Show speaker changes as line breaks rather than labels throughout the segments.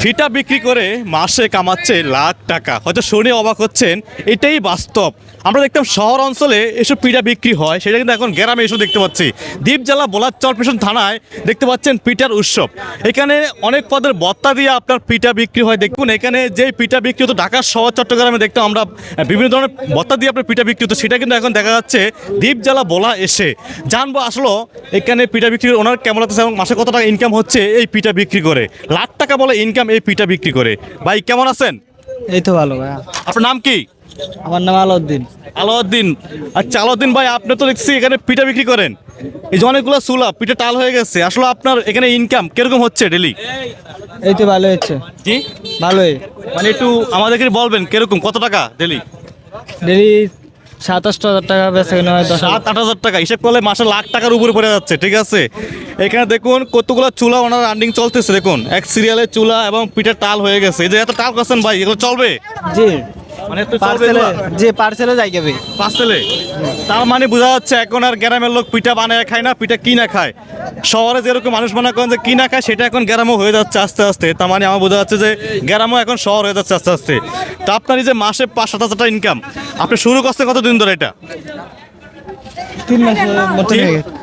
ফিটা বিক্রি করে মাসে কামাচ্ছে লাখ টাকা, হয়তো শুনে অবাক হচ্ছেন, এটাই বাস্তব। আমরা দেখতাম শহর অঞ্চলে এসব পিঠা বিক্রি হয়, সেটা কিন্তু এখন গ্রামে এসব দেখতে পাচ্ছি। দ্বীপ জেলা বোলার চরপেশন থানায় দেখতে পাচ্ছেন পিঠার উৎসব। এখানে অনেক পদের বত্তা দিয়ে আপনার পিঠা বিক্রি হয়। দেখুন এখানে যে পিঠা বিক্রি হতো ঢাকা শহর চট্টগ্রামে দেখতাম আমরা বিভিন্ন ধরনের বত্তা দিয়ে আপনার পিঠা বিক্রি হতো, সেটা কিন্তু এখন দেখা যাচ্ছে দ্বীপ জেলা বোলা এসে। জানবো আসলে এখানে পিঠা বিক্রি করে ওনার কেমন লাগতেছে এবং মাসে কত টাকা ইনকাম হচ্ছে এই পিঠা বিক্রি করে। লাখ টাকা বলে ইনকাম এই পিঠা বিক্রি করে। ভাই কেমন আছেন?
এই তো ভালো ভাইয়া।
আপনার নাম কি?
আমার নাম আলাউদ্দিন।
আলাউদ্দিন। আচ্ছা আলাউদ্দিন ভাই, আপনি তো দেখছি এখানে পিঠা বিক্রি করেন। এই যে অনেকগুলো চুলা পিঠা টাল হয়ে গেছে, আসলে আপনার এখানে ইনকাম কিরকম হচ্ছে ডেলি?
এই তো ভালো হচ্ছে।
জি
ভালোই।
মানে একটু আমাদেরকে বলবেন কিরকম, কত টাকা ডেলি?
ডেলি 27,000 টাকা বেচা কিনা হয়।
7-8 হাজার টাকা হিসেব করলে মাসে লাখ টাকার উপরে পড়ে যাচ্ছে। ঠিক আছে, এখানে দেখুন কতগুলো চুলা ওনার রানিং চলতেছে। দেখুন এক সিরিয়ালের চুলা এবং পিঠা টাল হয়ে গেছে। এই যে এত টাল করছেন ভাই, এগুলো চলবে?
জি
মানে তো চলবে
পার্সেলে, জি পার্সেলে যাই যাবে।
পার্সেলে। তার মানে বোঝা যাচ্ছে এখন আর গ্রামের লোক পিঠা বানায় খায় না, পিঠা কিনা খায়। শহরে যেরকম মানুষ মনে করেন যে কিনা খায়, সেটা এখন গ্রামও হয়ে যাচ্ছে আস্তে আস্তে। তার মানে আমার বোঝা যাচ্ছে যে গ্রামও এখন শহর হয়ে যাচ্ছে আস্তে আস্তে। তো আপনার এই যে মাসে 5-7 হাজার টাকা ইনকাম, আপনি শুরু করছেন কতদিন ধরে এটা?
3 মাসের মতো হয়ে গেছে।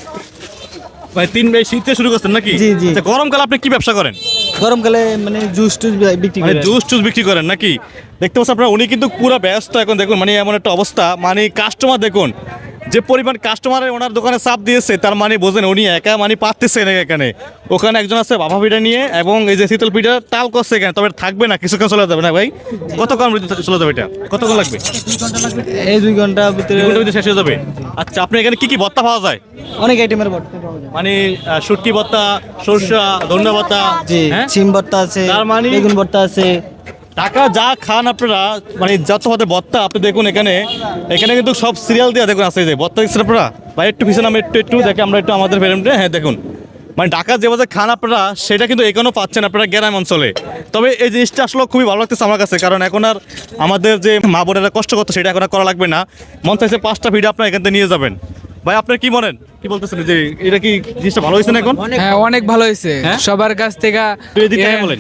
ভাই 3 শীতে শুরু করছেন নাকি?
জি, জি।
আচ্ছা, গরমকালে আপনি কি ব্যবসা করেন?
গরমকালে মানে জুস টুস বিক্রি
মানে
করে।
জুস টুস বিক্রি করেন নাকি? দেখতে পাচ্ছেন আপনারা, উনি কিন্তু পুরো ব্যস্ত এখন। দেখুন মানে এমন একটা অবস্থা, মানে কাস্টমার দেখুন যে পরিমাণ কাস্টমারের ওনার দোকানে চাপ দিয়েছে, তার মানে বোঝেন উনি একা মানে পারতেছে না এখানে। ওখানে একজন আছে বাবা পিঠা নিয়ে এবং এই যে শীতল পিঠা টাল করছে এখানে, তবে থাকবে না, কিছুক্ষণ চলে যাবে না ভাই? কতক্ষণ চলে যাবে এটা? কতক্ষণ লাগবে?
এই 2 ঘন্টার ভিতরে
2 ঘন্টার ভিতরে শেষ হয়ে যাবে। আচ্ছা, আপনি এখানে কি কি ভর্তা পাওয়া যায়?
অনেক আইটেমের ভর্তা পাওয়া যায়।
মানে শুটকি ভর্তা, সরষা, ধনিয়া ভর্তা,
জি
হ্যাঁ?
সিম ভর্তা আছে,
তার মানে-
বেগুন ভর্তা আছে।
টাকা যা খান আপনারা, মানে যত হতে ভর্তা আপনি দেখুন এখানে। এখানে কিন্তু সব সিরিয়াল দিয়ে দেখুন আছে, এই যে ভর্তা দিচ্ছেন আপনারা। ভাই একটু পিছনে আমরা একটু দেখে আমরা একটু আমাদের ফ্রেমটা, হ্যাঁ দেখুন মানে ঢাকা যেভাবে খান আপনারা, সেটা কিন্তু এখনও পাচ্ছেন আপনারা গ্রাম অঞ্চলে। তবে এই জিনিসটা আসলে খুবই ভালো লাগতেছে আমার কাছে, কারণ এখন আর আমাদের যে মা বোনেরা কষ্ট করতো সেটা এখন আর করা লাগবে না। মন চাইছে 5টা ভিডিও আপনারা এখান থেকে নিয়ে যাবেন। ভাই আপনার কি মনেন, কি বলতেছেন যে এটা কি জিনিসটা ভালো হয়েছে না এখন?
হ্যাঁ অনেক ভালো হয়েছে।
হ্যাঁ?
সবার কাছ থেকে
একটু এদিক থেকে বলেন।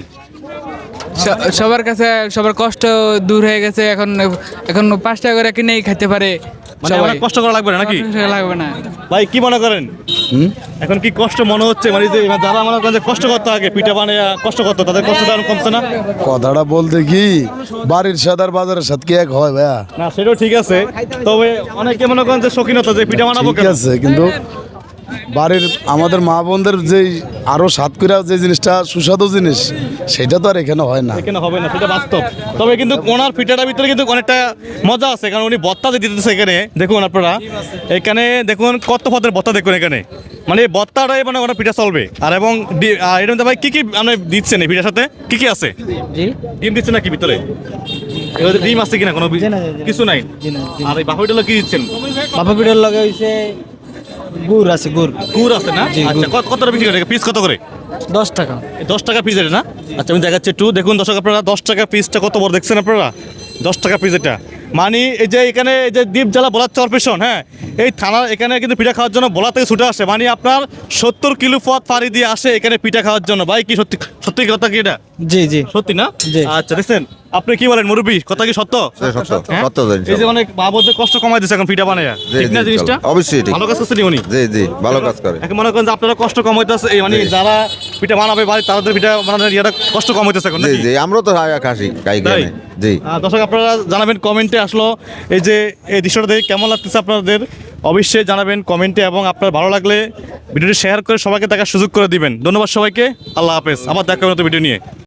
সবার কাছে সবার কষ্ট দূর হয়ে গেছে। এখন এখন 5 টাকা করে কিনেই খেতে পারে
মানে
সবাই।
অনেক কষ্ট করা লাগবে না নাকি?
কষ্ট লাগবে না।
ভাই কি মনে করেন, এখন কি কষ্ট মনে হচ্ছে? মানে যে যারা মনে করেন যে কষ্ট করতে আগে পিঠা বানিয়ে কষ্ট করতো, তাদের কষ্টটা এখন কমছে না?
কথাটা বলতে কি বাড়ির সাথে আর বাজারের সাথে কি এক হয় ভাইয়া?
না সেটাও ঠিক আছে, তবে অনেকে মনে করেন যে শৌখিনতা যে পিঠা বানাবো
ঠিক
কেন?
আছে, কিন্তু বাড়ির আমাদের মা বোনদের যেই আরো স্বাদ করে যে জিনিসটা সুস্বাদু জিনিস, সেটা তো আর এখানে হয় না।
এখানে হবে না, সেটা বাস্তব। তবে কিন্তু ওনার পিঠাটার ভিতরে কিন্তু অনেকটা মজা আছে, কারণ উনি ভত্তা যে দিতেছে এখানে দেখুন আপনারা। এখানে দেখুন কত পদের ভত্তা দেখুন এখানে, মানে এই ভত্তাটাই মানে ওনার পিঠা চলবে। আর এবং এর মধ্যে ভাই কি কি আপনি দিচ্ছেন এই পিঠার সাথে, কি কি আছে?
জি
ডিম দিচ্ছেন নাকি ভিতরে? এর মধ্যে ডিম আছে কিনা কোনো?
জি না, জি না।
কিছু নাই।
জি না, জি না।
আর এই বাহুটা কি দিচ্ছেন?
বাবা পিঠার লগে হইছে গুড় আছে, গুড়
গুড় আছে না?
জি,
আচ্ছা, কতটা বিক্রি করে, পিস কত করে?
10 টাকা।
10 টাকা পিস এটা না? আচ্ছা আমি দেখাচ্ছি একটু দেখুন দর্শক আপনারা, 10 টাকা পিসটা কত বড় দেখছেন আপনারা? 10 টাকা পিস এটা। মানে এই যে এখানে এই যে দ্বীপ জেলা বোলার চরপেশন, হ্যাঁ এই থানার এখানে কিন্তু পিঠা খাওয়ার জন্য বোলা থেকে ছুটে আসে। মানে আপনার 70 কিলো পথ পাড়ি দিয়ে আসে এখানে পিঠা খাওয়ার জন্য। ভাই কি সত্যি সত্যি কথা কি এটা?
জি জি
সত্যি না?
জি।
আচ্ছা দেখছেন, আপনি কি বলেন মুরব্বী, কথা কি সত্য?
সত্য,
হ্যাঁ?
সত্য জিনিস।
এই যে অনেক বাবুদের কষ্ট কমাই দিচ্ছে এখন পিঠা বানায়,
জি,
ঠিক না
জি,
জিনিসটা?
অবশ্যই ঠিক।
ভালো কাজ করছেন উনি।
জি জি ভালো কাজ করে।
এখন মনে করেন যে আপনারা কষ্ট কম হইতেছে, এই মানে
জি।
যারা পিঠা বানাবে বাড়ি তাদের পিঠা বানানোর ইয়েটা কষ্ট কম হইতেছে এখন
জি
নাকি?
জি আমরা তো খাসি গাই
তাই?
গ্রামে। জি
দর্শক আপনারা জানাবেন কমেন্টে আসলো এই যে এই দৃশ্যটা দেখে কেমন লাগতেছে আপনাদের, অবশ্যই জানাবেন কমেন্টে। এবং আপনার ভালো লাগলে ভিডিওটি শেয়ার করে সবাইকে দেখার সুযোগ করে দিবেন। ধন্যবাদ সবাইকে, আল্লাহ হাফেজ। আবার দেখা হবে নতুন ভিডিও নিয়ে।